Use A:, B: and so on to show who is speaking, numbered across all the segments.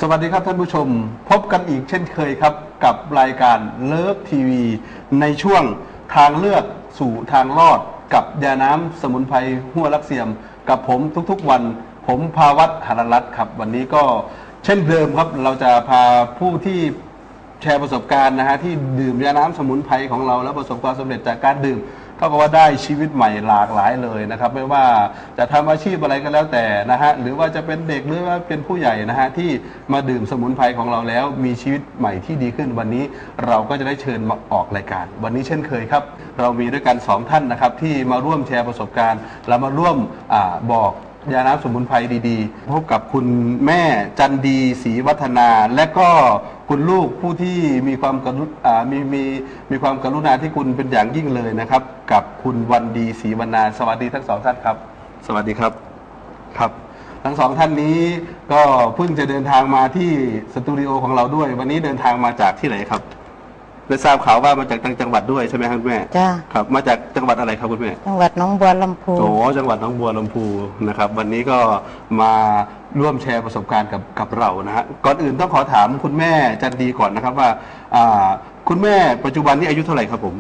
A: วัสดีครับท่านผู้ชมพบกันอีกเช่นเคยครับกับรายการเลิฟทีวีในช่วงทางเลือกสู่ทางรอดกับยาน้ำสมุนไพรหัวลักเสียมกับผมทุกๆวันผมภาวัตหรรัตน์ครับวันนี้ก็เช่นเดิมครับเราจะพาผู้ที่แชร์ประสบการณ์นะฮะที่ดื่มยาน้ำสมุนไพรของเราแล้วประสบความสำเร็จจากการดื่มเท่ากับว่าได้ชีวิตใหม่หลากหลายเลยนะครับไม่ว่าจะทำอาชีพอะไรก็แล้วแต่นะฮะหรือว่าจะเป็นเด็กหรือว่าเป็นผู้ใหญ่นะฮะที่มาดื่มสมุนไพรของเราแล้วมีชีวิตใหม่ที่ดีขึ้นวันนี้เราก็จะได้เชิญมาออกรายการวันนี้เช่นเคยครับเรามีด้วยกัน2ท่านนะครับที่มาร่วมแชร์ประสบการณ์และมาร่วมบอกยาน้ำสมุนไพรดีๆพบกับคุณแม่จันดีศรีวัฒนาและก็คุณลูกผู้ที่มีความมีความกรุณาที่คุณเป็นอย่างยิ่งเลยนะครับกับคุณวันดีศรีวรรณาสวัสดีทั้งสองท่านครับสวัสดีครับครับทั้งสองท่านนี้ก็เพิ่งจะเดินทางมาที่สตูดิโอของเราด้วยวันนี้เดินทางมาจากที่ไหนครับได้ทราบข่าวว่ามาจากต่างจังหวัดด้วยใช่ไหมครับคุณแม่
B: จ้า
A: ครับมาจากจังหวัดอะไรครับคุณแม่
B: จังหวัดหนองบัวลำพู
A: โอ้จังหวัดหนองบัวลำพูนะครับวันนี้ก็มาร่วมแชร์ประสบการณ์กับเรานะฮะก่อนอื่นต้องขอถามคุณแม่จันดีก่อนนะครับว่าคุณแม่ปัจจุบันนี้อายุเท่าไหร่ครับผม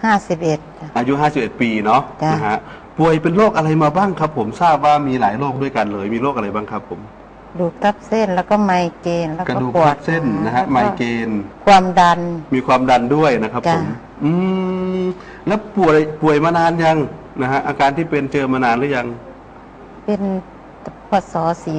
B: 51
A: อายุ51ปีเนาะนะฮะป่วยเป็นโรคอะไรมาบ้างครับผมทราบว่ามีหลายโรคด้วยกันเลยมีโรคอะไรบ้างครับผม
B: กระดูกทับเส้นแล้วก็ไมเกรนแล้วก็
A: ปวดเส้นนะฮะไมเกรน
B: ความดัน
A: มีความดันด้วยนะครับผมแล้วป่วยมานานยังนะฮะอาการที่เป็นเจอมานานหรือยัง
B: เป็นพศ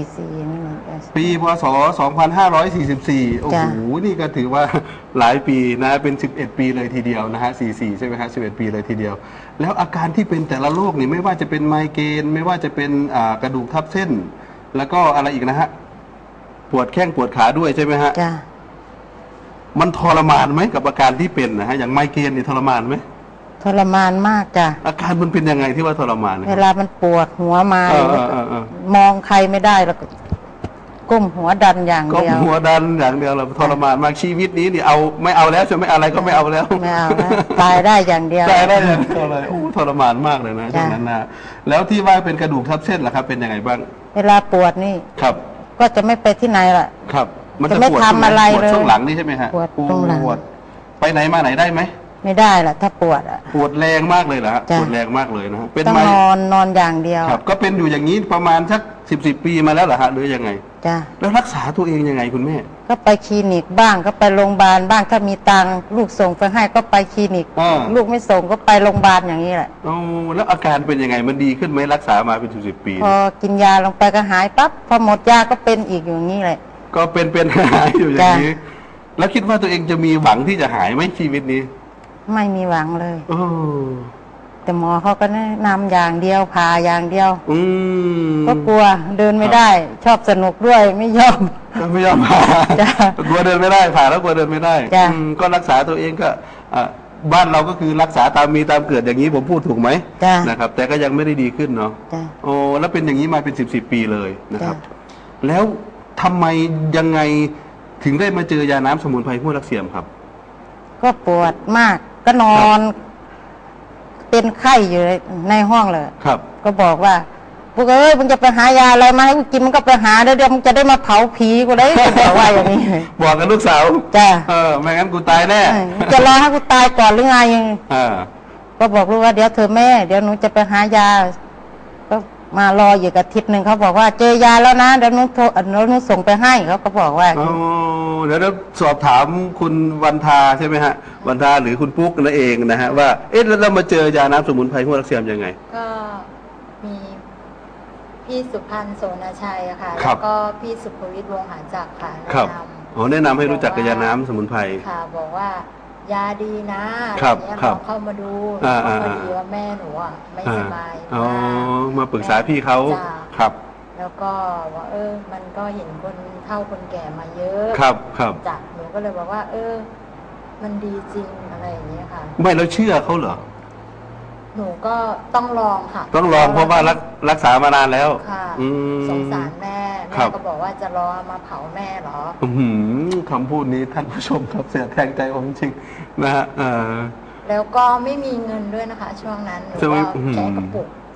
B: 44นี่
A: ปีพศ2544โอ้โหนี่ก็ถือว่าหลายปีนะเป็น11ปีเลยทีเดียวนะฮะ44ใช่ไหมฮะ11ปีเลยทีเดียวแล้วอาการที่เป็นแต่ละโรคนี่ไม่ว่าจะเป็นไมเกรนไม่ว่าจะเป็นกระดูกทับเส้นแล้วก็อะไรอีกนะฮะปวดแข้งปวดขาด้วยใช่ไหมฮะ
B: จ้ะ
A: มันทรมานไหมกับอาการที่เป็นนะฮะอย่างไมเกรนนี่ทรมานไหม
B: ทรมานมากจ้ะ
A: อาการมันเป็นยังไงที่ว่าทรมาน
B: เวลามันปวดหัวมามองใครไม่ได้แล้วก้มหัวดันอย่างเดียว
A: ก้มหัวดันอย่างเดียวเราทรมานมากชีวิตนี้นี่เอาไม่เอาแล้วใช่ไหมอะไรก็ไม่เอาแล้ว
B: ไม่เอาแล้วตายได้อย่างเดียว
A: ตายได้อย่างเดียวเลยโอ้ทรมานมากเลยนะช่วงนั้นนะแล้วที่ว่าเป็นกระดูกทับเส้นล่ะครับเป็นยังไงบ้าง
B: เวลาปวดนี่
A: ครับ
B: ก็จะไม่ไปที่ไหนล่ะ
A: ครับ
B: มันจะไม่ทำอะไรเลย
A: ช่วงหลังนี่ใช่ไหมฮะ
B: ปวดตรงหลัง
A: ไปไหนมาไหนได้ไหม
B: ไม่ได้ล่ะถ้าปวด
A: ปวดแรงมากเลยเหรอฮะปวดแรงมากเลยนะ
B: เป็นต้องนอนอย่างเดียว
A: ครับก็เป็นอยู่อย่างนี้ประมาณสัก10 ปีมาแล้วเหรอฮะหรือยังไง
B: จ้ะ
A: แล้วรักษาตัวเองยังไงคุณแม่
B: ก็ไปคลินิกบ้างก็ไปโรงพยาบาลบ้างถ้ามีตังค์ลูกส่งไปให้ก็ไปคลินิกลูกไม่ส่งก็ไปโรงพยาบาลอย่างนี้แหละ
A: โอ้แล้วอาการเป็นยังไงมันดีขึ้นไหมรักษามาเป็น10 ปี
B: พอกินยาลงไปก็หายปั๊บพอหมดยาก็เป็นอีกอย่างนี้แหละ
A: ก็เป็นหายอยู่อย่างนี้แล้วคิดว่าตัวเองจะมีหวังที่จะหายไหมชีวิตนี้
B: ไม่มีหวังเลยแต่หมอเขาก็แนะนำอย่างเดียวพาอย่างเดียวก็กลัวเดินไม่ได้ชอบสนุกด้วยไม่ยอม
A: ผ่ากลัวเดินไม่ได้ผ่าแล้วกลัวเดินไม่ได้ก็รักษาตัวเองก็บ้านเราก็คือรักษาตามมีตามเกิดอย่างนี้ผมพูดถูกไหมนะครับแต่ก็ยังไม่ได้ดีขึ้นเนาะโอ้แล้วเป็นอย่างนี้มาเป็น10 ปีเลยนะครับแล้วทำไมยังไงถึงได้มาเจอยาน้ำสมุนไพรหัวลักเสียมครับ
B: ก็ปวดมากก็นอนเป็นไข้อยู่ในห้องเลย
A: ครับ
B: ก็บอกว่าพวกเอ้ยมึงจะไปหายาอะไรมาให้กูกินมึงก็ไปหาเดี๋ยวมึงจะได้มาเผาผีกูได้บอกว่าอย่างนี้
A: บอกกับลูกสาว
B: จ้ะ
A: ไม่งั้นกูตายแน่
B: จะรอให้กูตายก่อนหรือไงก็บอกลูกว่าเดี๋ยวเธอแม่เดี๋ยวหนูจะไปหายาก็มารออยู่กับอาทิตย์หนึ่งเขาบอกว่าเจอยาแล้วนะเดี๋ยวหนูส่งไปให้เขาก็บอกว่า
A: เดี๋ยวสอบถามคุณวันทาใช่ไหมฮะวันทาหรือคุณปุ๊กนั่นเองนะฮะว่าแล้วเรามาเจอยาน้ำสมุนไพรหัวลักเสียมยังไง
C: ก็มีพี่สุพันธ์โสนาชัยค่ะแล้วก็พี่สุภวิทย์วงหาจักรค่ะแนะน
A: ำแนะนำให้รู้จักกับยาน้ำสมุนไพร
C: ค่ะบอกว่ายาดีนะอะไรเงี้ยลองเข้ามาดูพอดีว่าแม่หนูไม่สบาย
A: มาปรึกษาพี่เขาครับ
C: แล้วก็ว่ามันก็เห็นคนเฒ่าคนแก่มาเยอะ
A: ครับ
C: จ้ะหนูก็เลยบอกว่ามันดีจริงอะไรอย่างเงี้ยค่ะ
A: ไม่แล้วเชื่อเขาเหรอ
C: หนูก็ต้องลองค่ะ
A: ต้องลองเพราะว่ารักษามานานแล้ว
C: ค่ะสงสารแม่ก็บอกว่าจะรอมาเผาแม่เหรอ
A: คำพูดนี้ท่านผู้ชมครับเสียแทงใจผมจริงนะฮะ
C: แล้วก็ไม่มีเงินด้วยนะคะช่วงนั้นหนูก็แกะกระปุก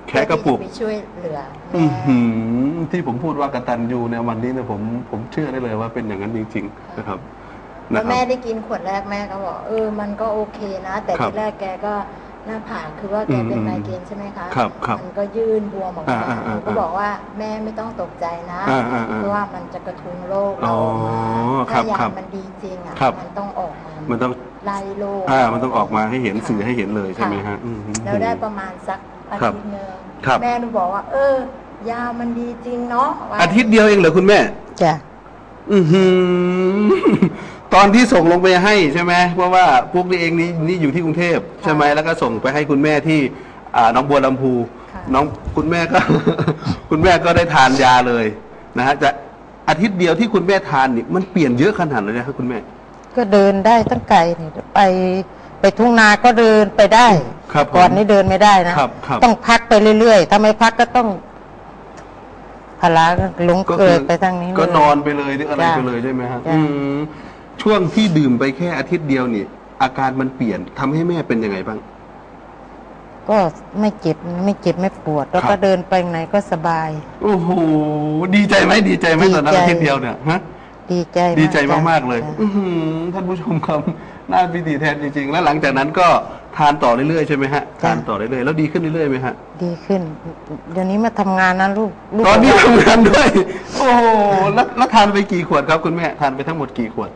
A: แค่กระปุก
C: เพื่อที่จไปช่วยเหลือ
A: อื้อ
C: แม่
A: หือที่ผมพูดว่ากตัญญูในวันนี้เนี่ยผมเชื่อได้เลยว่าเป็นอย่างนั้นจริงๆนะครับ
C: แล้วแม่ได้กินขวดแรกแม่ก็บอกมันก็โอเคนะ แต่
A: ครับ
C: ที่แรกแกก็หน้าผากคือว่าแกเป็นไมเกรนใช่ไหมคะ
A: ครับครับ
C: มันก็ยื่นบวมออกมา
A: อ่า
C: ก็บอกว่าแม่ไม่ต้องตกใจนะ เพราะว่ามันจะกระทุ้งโรคเราออกมา
A: ครั
C: ถ้า
A: บ
C: ยา
A: ครับ
C: มันดีจริงอ่ะ
A: ครับ
C: มันต้องออกมา
A: มันต้อง
C: ไล่โรค
A: มันต้องออกมาให้เห็นสื่อให้เห็นเลยใช่ไหมฮะ
C: ค่ะ
A: อืม
C: แล้วได้ประมาณสักอาทิตย์หนึง
A: ครับ
C: แม่หนูบอกว่า ยามันดีจริงเนาะว่า
A: อาทิตย์เดียวเองเหรอคุณแม่
B: จ้ะ
A: อือหือ ตอนที่ส่งลงไปให้ใช่ไหมเพราะว่าพวกนี้เองนี่อยู่ที่กรุงเทพใช่ไหมแล้วก็ส่งไปให้คุณแม่ที่หน้องบัวลำพู
C: ค่ะ
A: น้องคุณแม่ก็ คุณแม่ก็ได้ทานยาเลยนะฮะจะอาทิตย์เดียวที่คุณแม่ทานนี่มันเปลี่ยนเยอะขนาดเลยนะครับคุณแม่
B: ก็เดินได้ตั้งไกลเนี่ยไปทุ่งนาก็เดินไปได้
A: ครับผม
B: ก่อนนี้เดินไม่ได้นะครับ
A: ครับ
B: ต้องพักไปเรื่อยๆถ้าไม่พักก็ต้องพลาลงเกิดไปทางนี้เลย
A: ก็นอนไปเลยหรืออะไร
B: จ้ะ
A: ไปเลยใช่ไหมฮะ
B: จ้ะ
A: ช่วงที่ดื่มไปแค่อาทิตย์เดียวนี่ อาการมันเปลี่ยนทำให้แม่เป็นยังไงบ้าง
B: ก็ไม่เจ็บไม่ปวด แล้ว
A: ครั
B: ก็
A: บ
B: เดินไปไหนก็สบาย
A: โอ้โหดีใจไหมดีใจไหม
B: ดีใจ
A: ตอนนั้นอาทิตย์เดียวเนี่ยฮะ
B: ดีใจ
A: ดีใจ
B: จ้ะ
A: มากๆเลย
B: จ้ะ
A: อื้อหือท่านผู้ชมครับน่าพิธีแทนจริงๆ แล้วหลังจากนั้นก็ทานต่อเรื่อยๆใช่ไหมฮะทานต่อเรื่อยๆแล้วดีขึ้นเรื่อยๆไหมฮะ
B: ดีขึ้น เดี๋ยวนี้มาทำงานนะลูก
A: ตอนนี้ทำงานด้วย โอ้โหแล้วทานไปกี่ขวดครับคุณแม่ทานไปทั้งหมดกี่ขวด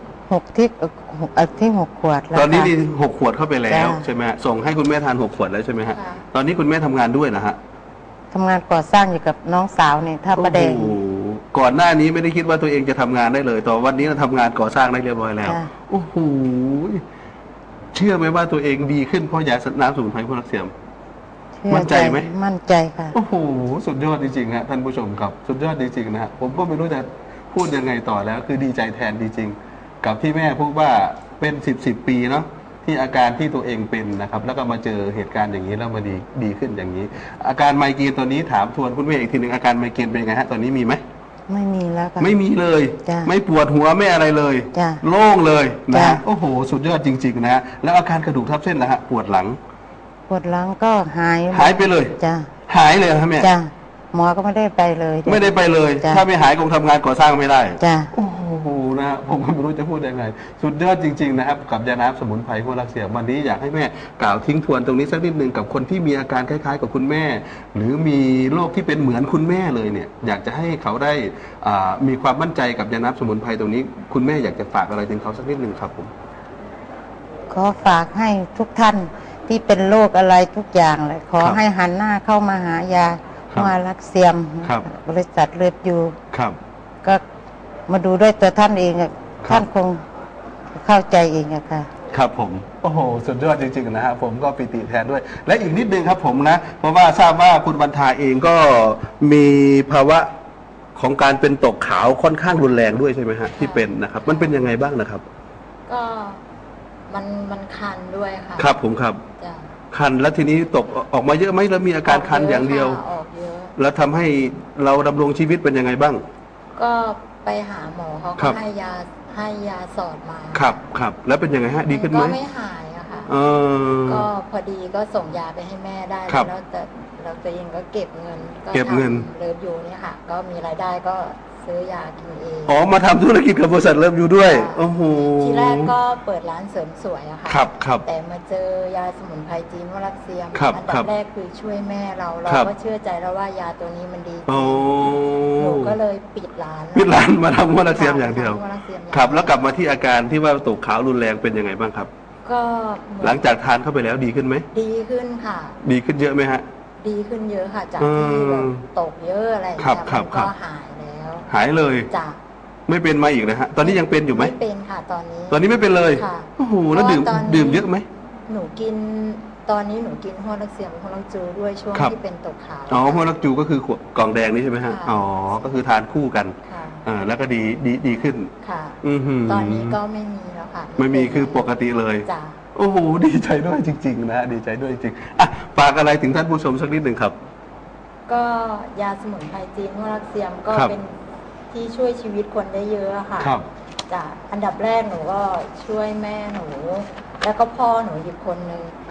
B: 6 ขวดแล้ว
A: ตอนนี้
B: ค่ะ
A: นี่6 ขวดเข้าไปแล้ว
B: จ้ะ
A: ใช่ไหมฮะส่งให้คุณแม่ทาน6 ขวดแล้วใช่ไหมฮะ
C: ค่ะ
A: ตอนนี้คุณแม่ทำงานด้วยนะฮะ
B: ทำงานก่อสร้างอยู่กับน้องสาวเนี่ยท่าประแดง
A: โอ้โหก่อนหน้านี้ไม่ได้คิดว่าตัวเองจะทำงานได้เลยแต่วันนี้เราทำงานก่อสร้างได้เรียบร้อยแล้ว
B: จ้ะ
A: โอ้โหเชื่อไหมว่าตัวเองดีขึ้นเพราะยาน้ำสมุนไพรพวกนักเสียม มั่นใจไหม
B: มั่นใจค่ะ
A: โอ้โหสุดยอดจริงๆฮะท่านผู้ชมครับ สุดยอดจริงๆนะฮะผมก็ไม่รู้จะพูดยังไงต่อแล้ว คือดีใจแทนจริงๆกับที่แม่พูดว่าเป็น10 ปีเนาะที่อาการที่ตัวเองเป็นนะครับ แล้วก็มาเจอเหตุการณ์อย่างนี้แล้วมาดีขึ้นอย่างนี้ อาการไมเกรนตอนนี้ถามทวนคุณแม่อีกทีหนึ่งอาการไมเกรนเป็นยังไงฮะตอนนี้มีไหม
B: ไม่มีแล้วค่ะ
A: ไม่มีเลย
B: จ้ะ
A: ไม่ปวดหัวไม่อะไรเลย
B: จ้ะ
A: โล่งเลยนะ
B: จ้ะ
A: ฮะโอ้โห สุดยอดจริงๆนะฮะแล้วอาการกระดูกทับเส้นล่ะฮะปวดหลัง
B: ปวดหลังก็หาย
A: หายไปเลย
B: จ้ะ
A: หายเลยครับแม่
B: จ้ะหมอก็ไม่ได้ไปเลย
A: ไม่ได้ไปเลย
B: จ้ะ
A: ถ้าไม่หายคงทำงานก่อสร้างไม่ได้
B: จ้ะ
A: โอ้โหนะฮะผมก็ไม่รู้จะพูดยังไง สุดยอดจริง ๆ นะครับ กับยาน้ำสมุนไพรพวกรักเสียวันนี้อยากให้แม่กล่าวทิ้งทวนตรงนี้สักนิดหนึ่งกับคนที่มีอาการคล้ายๆ กับคุณแม่ หรือมีโรคที่เป็นเหมือนคุณแม่เลยเนี่ย อยากจะให้เขาได้มีความมั่นใจกับยาน้ำสมุนไพรตรงนี้ คุณแม่อยากจะฝากอะไรถึงเขาสักนิดหนึ่งครับผม
B: ขอฝากให้ทุกท่านที่เป็นโรคอะไรทุกอย่างเลยขอ
A: ครับ
B: ให้หันหน้าเข้ามาหายา
A: ครับ
B: มารักเสียม
A: ครับ
B: บริษัทเลือดอยู่
A: ครับ
B: ก็มาดูด้วยตัวท่านเองอะ
A: ครับ
B: ท่านคงเข้าใจเองอะค่ะ
A: ครับผมโอ้โหสุดยอดจริงๆนะฮะผมก็ปิติแทนด้วย และอีกนิดนึงครับผมนะ เพราะว่าทราบว่าคุณบรรทาเองก็มีภาวะของการเป็นตกขาวค่อนข้างรุนแรงด้วยใช่ไหมฮะที่เป็นนะครับ มันเป็นยังไงบ้างนะครับ
C: ก็มันคันด้วยค่ะ
A: ครับผมครับ
C: จ้ะ
A: คันแล้วทีนี้ตกออกมาเยอะไหมแล้วมีอาการคันอย่างเดียว
C: ออกเยอะ
A: แล้วทำให้เราดำรงชีวิตเป็นยังไงบ้าง
C: ก็ไปหาหมอเขา
A: ครั
C: ก็
A: บ
C: ให้ยาสอดมา
A: ครับครับแล้วเป็นยังไงฮะดีขึ้นไหม
C: ก็ไม่หายอะค่ะ
A: เออ
C: ก็พอดีก็ส่งยาไปให้แม่ได้
A: ครับ
C: แล้วแต่เราตัวเองก็เก็บเงิน
A: เก็บเงิน
C: ทำเลิฟยูเนี่ยค่ะ ก็มีรายได้ก็ซื้อยากินเอง
A: อ๋อมาทำธุรกิจกับบริษัทเริ่มอยู่ด้วย
C: ค่ะ
A: โอ้โห
C: ทีแรกก็เปิดร้านเสริมสวยอะค่ะ
A: ครับครับ
C: แต่มาเจอยาสมุนไพรจีนวรักเซียม
A: ครับ
C: อั
A: ครั
C: ดับบ แรกคือช่วยแม่เรา
A: ครับ
C: ก็เชื่อใจแล้วว่ายาตัวนี้มันดีจริ
A: โอ้
C: งหนูก็เลยปิดร้าน
A: ปิดร้านมาทำหัวรักเสียมอย่างเดียว
C: ทำหัวรักเสียมอย่างเดียว
A: ครับ แล้วกลับมาที่อาการที่ว่าตกขาวรุนแรงเป็นยังไงบ้างครับ
C: ก็เหมือน
A: หลังจากทานเข้าไปแล้วดีขึ้นไหม
C: ดีขึ้นค่ะ
A: ดีขึ้นเยอะไหมฮะ
C: ดีขึ้นเยอะค่ะ จากที่แบบตกเยอะอะไรอย่าง
A: ครับ
C: เงี้ย
A: ครับ
C: มัน
A: ครั
C: ก็
A: บ
C: หายแล้ว
A: หายเลย
C: จ้ะ
A: ไม่เป็นมาอีกนะฮะ ตอนนี้ยังเป็นอยู่ไหม
C: ไม่เป็นค่ะตอนนี้
A: ตอนนี้ไม่เป็นเลย
C: ค่ะ
A: โอ้โห แล้วดื่ม
C: เพราะว่าตอนนี้
A: ดื่มเยอะไหม
C: หนูกินตอนนี้หนูกินหัวรักเสียมหัวรักจูด้วยช่วง
A: ครับ
C: ที่เป็นตกขาว
A: อ๋อหัวรักจูก็คือขวดกล่องแดงนี่ใช่ไหมฮะ
C: ค่ะ
A: อ๋อ ก็คือทานคู่กัน
C: ค่ะ
A: แล้วก็ดีขึ้น
C: ค่ะ
A: อือหือ
C: ตอนนี้ก็ไม่มีแล้วค่ะ
A: ไม่มีคือปกติเลย
C: จ้ะ
A: โอ้โห ดีใจด้วยจริง ๆ นะ ดีใจด้วยจริงๆอ่ะฝากอะไรถึงท่านผู้ชมสักนิดหนึ่งครับ
C: ก็ยาสมุนไพรจีนหัวรักเซียมก็
A: ครับ
C: เป็นที่ช่วยชีวิตคนได้เยอะอะค่ะ
A: ครับ
C: จ้ะอันดับแรกหนูก็ช่วยแม่หนู แล้วก็พ่อหนูอีกคนนึง
A: ครับ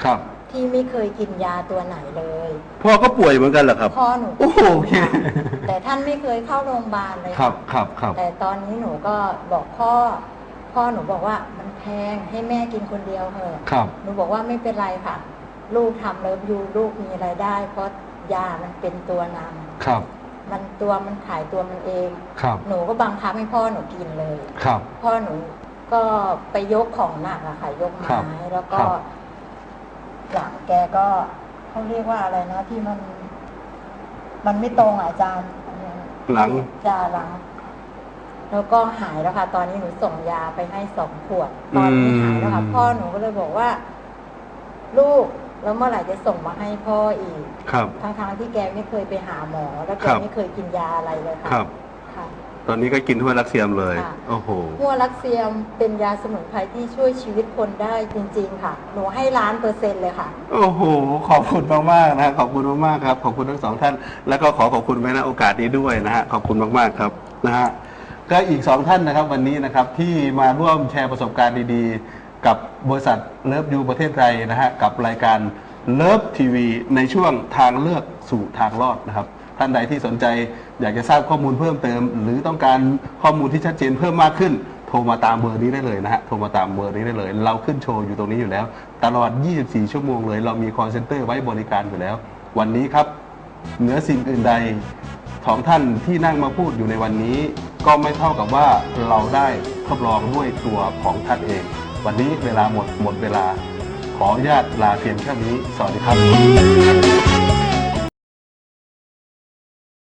C: ที่ไม่เคยกินยาตัวไหนเลย
A: พ่อก็ป่วยเหมือนกันเหรอครับ
C: พ่อหนู
A: โอ้โหโอเค
C: แต่ท่านไม่เคยเข้าโรงพยาบาลเลย
A: ครับครับครับ
C: แต่ตอนนี้หนูก็บอกพ่อหนูบอกว่ามันแพงให้แม่กินคนเดียวเถอะ
A: ครับ
C: หนูบอกว่าไม่เป็นไรค่ะ ลูกทำเลิฟยูลูกมีรายได้ เพราะยามันเป็นตัวนำ
A: ครับ
C: มันขายตัวมันเอง
A: ครับ
C: หนูก็บังคับให้พ่อหนูกินเลย
A: ครับ
C: พ่อหนูก็ไปยกของหนักอะค่ะ ยก
A: ครั
C: ไม้
A: บ
C: แล้วก็
A: ครับ
C: หลังแกก็เขาเรียกว่าอะไรนะที่มันไม่ตรงอะอาจารย์
A: หลัง
C: จาหลัง แล้วก็หายแล้วค่ะ ตอนนี้หนูส่งยาไปให้2 ขวด ตอนนี้หายแล้วค่ะ พ่อหนูก็เลยบอกว่า ลูกแล้วเมื่อไหร่จะส่งมาให้พ่ออีก
A: ครับ
C: ทั้งที่แกไม่เคยไปหาหมอ แล้วแก
A: ครับ
C: ไม่เคยกินยาอะไรเลยค่ะ
A: ครับ
C: ค่ะ
A: ตอนนี้ก็กินทั่วรักเซียมเลย
C: ค่ะ
A: โอ้โห
C: หัวลักเซียมเป็นยาสมุนไพรที่ช่วยชีวิตคนได้จริง ๆ ค่ะ หนูให้1,000,000%เลยค่ะ
A: โอ้โห ขอบคุณมากๆนะขอบคุณมากๆครับ ขอบคุณทั้งสองท่าน แล้วก็ขอบคุณไปณโอกาสนี้ด้วยนะฮะ ขอบคุณมากๆครับนะฮะ ก็อีก2ท่านนะครับวันนี้นะครับที่มาร่วมแชร์ประสบการณ์ดีๆ กับบริษัทเลิฟยูประเทศไทยนะฮะกับรายการเลิฟทีวีในช่วงทางเลือกสู่ทางรอดนะครับ ท่านใดที่สนใจอยากจะทราบข้อมูลเพิ่มเติม หรือต้องการข้อมูลที่ชัดเจนเพิ่มมากขึ้น โทรมาตามเบอร์นี้ได้เลยนะฮะโทรมาตามเบอร์นี้ได้เลย เราขึ้นโชว์อยู่ตรงนี้อยู่แล้ว ตลอด 24 ชั่วโมงเลย เรามีคอลเซ็นเตอร์ไว้บริการอยู่แล้ว วันนี้ครับเหนือสิ่งอื่นใดของท่านที่นั่งมาพูดอยู่ในวันนี้ ก็ไม่เท่ากับว่าเราได้ทดลองด้วยตัวของท่านเอง วันนี้เวลาหมดเวลา ขออนุญาตลาเพียงแค่นี้ สวัสดีครับ